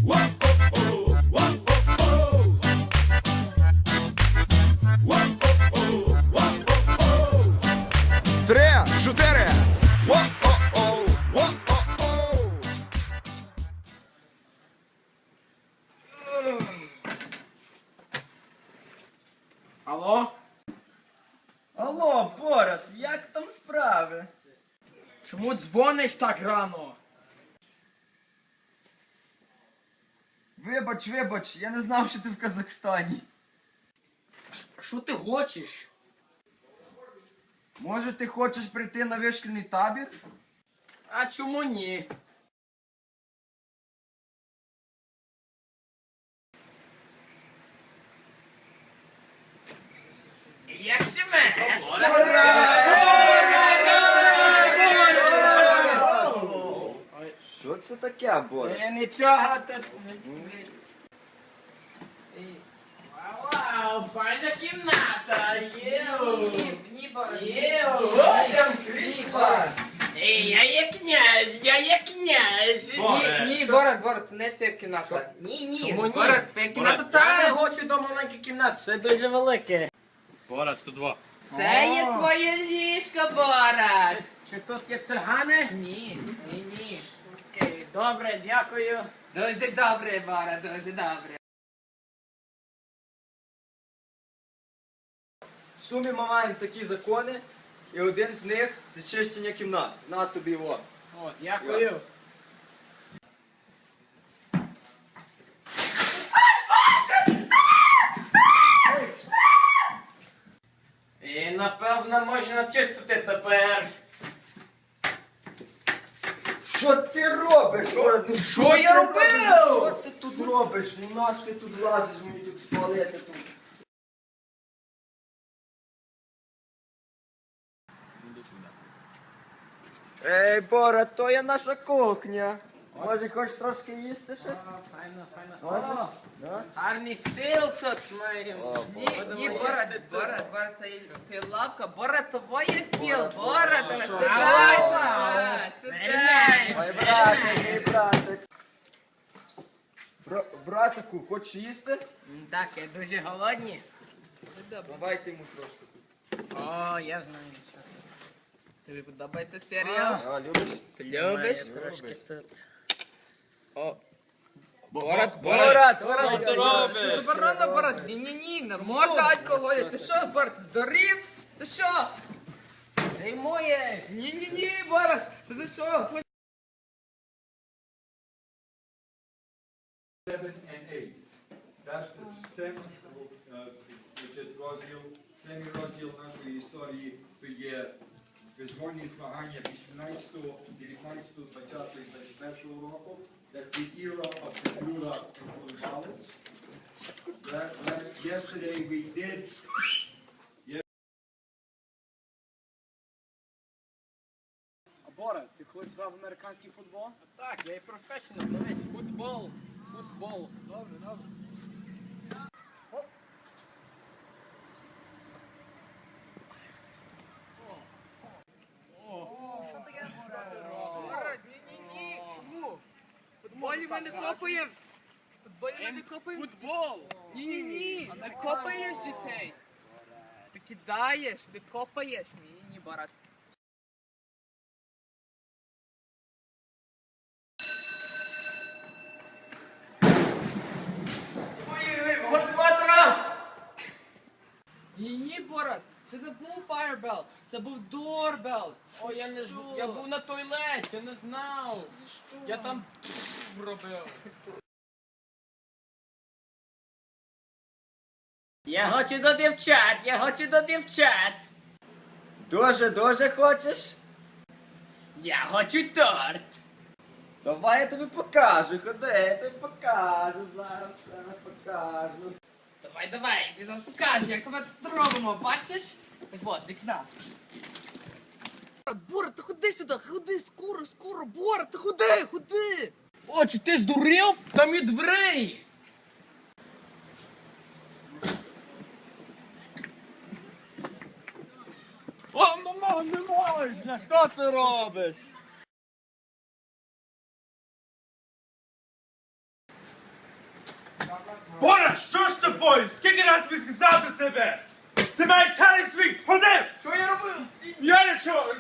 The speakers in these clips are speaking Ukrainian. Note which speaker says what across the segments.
Speaker 1: Три, чотири.
Speaker 2: Алло?
Speaker 3: Алло, Борат, як там справи?
Speaker 2: Чому дзвониш так рано?
Speaker 3: Вибач, я не знав, що ти в Казахстані.
Speaker 2: Що ти хочеш?
Speaker 3: Може, ти хочеш прийти на вишкільний табір?
Speaker 2: А чому ні? Як сімес?
Speaker 3: Що це таке, Борат?
Speaker 2: Нічого, Вау, файна кімната, єу! О, там крісло! Ей, я є князь!
Speaker 4: Ні, Борат, не твоя кімната. Ні,
Speaker 2: Чому ні?
Speaker 4: Борат, твоя кімната
Speaker 2: Я не
Speaker 4: там.
Speaker 2: хочу до маленької кімнати, це дуже велике.
Speaker 5: Борат, тут два.
Speaker 4: Це є твоє ліжко, Борат.
Speaker 2: Чи тут є цигани?
Speaker 4: Ні.
Speaker 2: Окей, добре, дякую.
Speaker 4: Дуже добре, Борат, дуже добре.
Speaker 3: В сумі ми маємо такі закони, і один з них це чищення кімнат. На тобі його.
Speaker 2: О, дякую. І напевно можна чистити тепер.
Speaker 3: Що ти робиш, Борат? Ну
Speaker 2: Що я
Speaker 3: ти
Speaker 2: робив?
Speaker 3: робиш? Що ти тут робиш? Ну наш ти тут лазиш, мені тут спалити тут. Ей, Борат, то є наша кухня. Може, хочеш трошки їсти щось?
Speaker 2: Файно.
Speaker 3: Може?
Speaker 2: О,
Speaker 3: Да?
Speaker 2: гарний стіл тут маємо.
Speaker 4: Ні, Борат, ти лавка. Борат, твоє стіл.
Speaker 3: Борат,
Speaker 4: Борат,
Speaker 3: Борат,
Speaker 4: сідай
Speaker 2: Борат.
Speaker 4: сюди.
Speaker 3: Ой, братик, мій братик. Братику, хочеш їсти?
Speaker 2: Так, я дуже голодні.
Speaker 3: Давайте йому трошки тут.
Speaker 2: О, я знаю.
Speaker 4: Тобі подобається серіал?
Speaker 3: А, любиш?
Speaker 4: Ти любиш?
Speaker 2: Трошки тут.
Speaker 4: О,
Speaker 3: Борат,
Speaker 5: Що ти робиш?
Speaker 4: заборонено, Борат. Ні, не можна алкоголю. Ти що, Борат, здурів? Ти що?
Speaker 2: Це моє.
Speaker 4: Ні, Борат, ти що?
Speaker 6: 7 and 8. Семий розділ нашої історії то є визвольні змагання 18, 19, 20 і 21 року. That's the era of the Bureau of ballots. Yesterday we did
Speaker 2: Борат, ти колись грав в американський футбол? Так, я і професіонал, дивись, футбол. Добре.
Speaker 4: Борат, ні. Чому? В футболі ми не копаємо.
Speaker 2: Футбол!
Speaker 4: Ні, не копаєш дітей. Ти кидаєш, ти копаєш. Ні, Борат.
Speaker 2: Ой, гортватра!
Speaker 4: Ні, Борат, це не був Firebell, це був Doorbell.
Speaker 2: О, я був на туалеті, я не знав. Я там робив. Я хочу до дівчат.
Speaker 3: Дуже хочеш?
Speaker 2: Я хочу торт.
Speaker 3: Давай я тобі покажу, ходи, я тобі покажу зараз, покажу.
Speaker 4: Давай, ти зараз покажеш, як тебе тут робимо, бачиш? Так от, з вікна. Борат, ти ходи сюди, ходи, скоро, Борат, ти ходи.
Speaker 2: О, чи ти здурів? Там і дверей.
Speaker 5: О, мамо, не можна! Що ти робиш? Борат, що з тобою? Скільки раз би сказав до тебе? Ти маєш карий свій, ходи!
Speaker 2: Що я робив?
Speaker 5: Я нічого!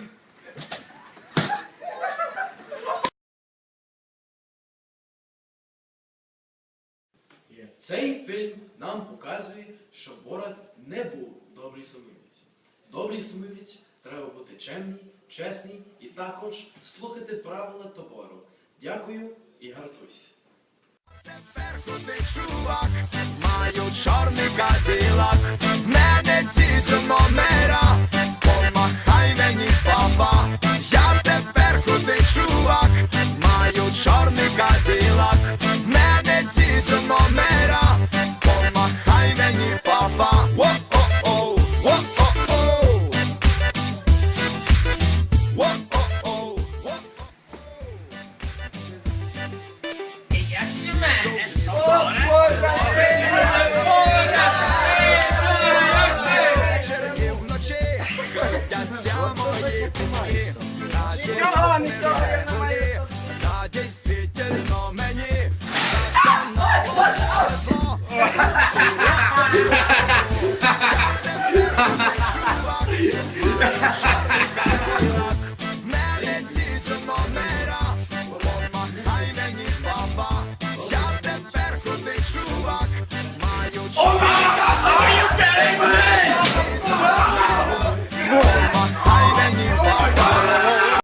Speaker 7: Цей фільм нам показує, що Борат не був добрий сумівець. Добрий сумівець треба бути чемний, чесний і також слухати правила табору. Дякую і гартуйся.
Speaker 1: Тепер крутий чувак, маю чорний кадилак, мене ці номера.